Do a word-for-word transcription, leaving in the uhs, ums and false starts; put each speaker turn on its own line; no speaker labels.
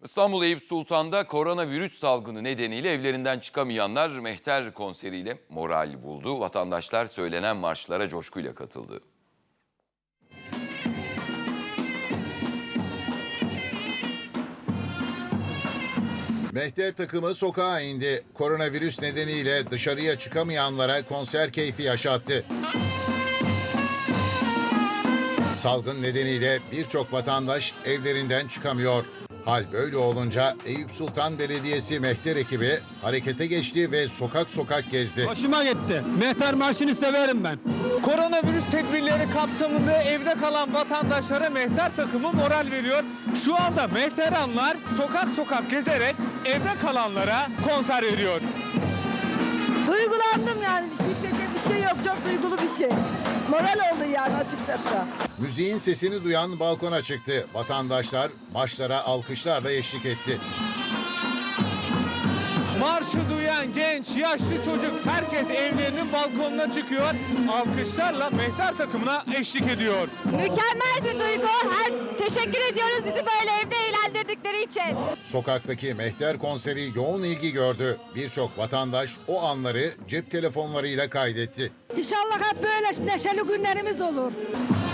İstanbul Eyüp Sultan'da koronavirüs salgını nedeniyle evlerinden çıkamayanlar Mehter konseriyle moral buldu. Vatandaşlar söylenen marşlara coşkuyla katıldı.
Mehter takımı sokağa indi. Koronavirüs nedeniyle dışarıya çıkamayanlara konser keyfi yaşattı. Salgın nedeniyle birçok vatandaş evlerinden çıkamıyor. Hal böyle olunca Eyüp Sultan Belediyesi Mehter ekibi harekete geçti ve sokak sokak gezdi.
Hoşuma gitti. Mehter Marşı'nı severim ben.
Koronavirüs tedbirleri kapsamında evde kalan vatandaşlara Mehter takımı moral veriyor. Şu anda Mehteranlar sokak sokak gezerek evde kalanlara konser veriyor.
Duygulandım yani, bir şey söyleyecek bir şey yok, çok duygulu bir şey. Moral oldu yani açıkçası.
Müziğin sesini duyan balkona çıktı. Vatandaşlar marşlara alkışlarla eşlik etti.
Marşı duyan genç, yaşlı çocuk herkes evlerinin balkonuna çıkıyor. Alkışlarla Mehter takımına eşlik ediyor.
Mükemmel bir duygu. Her teşekkür ediyoruz bizi böyle evde eğlendirdikleri için.
Sokaktaki Mehter konseri yoğun ilgi gördü. Birçok vatandaş o anları cep telefonlarıyla kaydetti.
İnşallah hep böyle neşeli günlerimiz olur.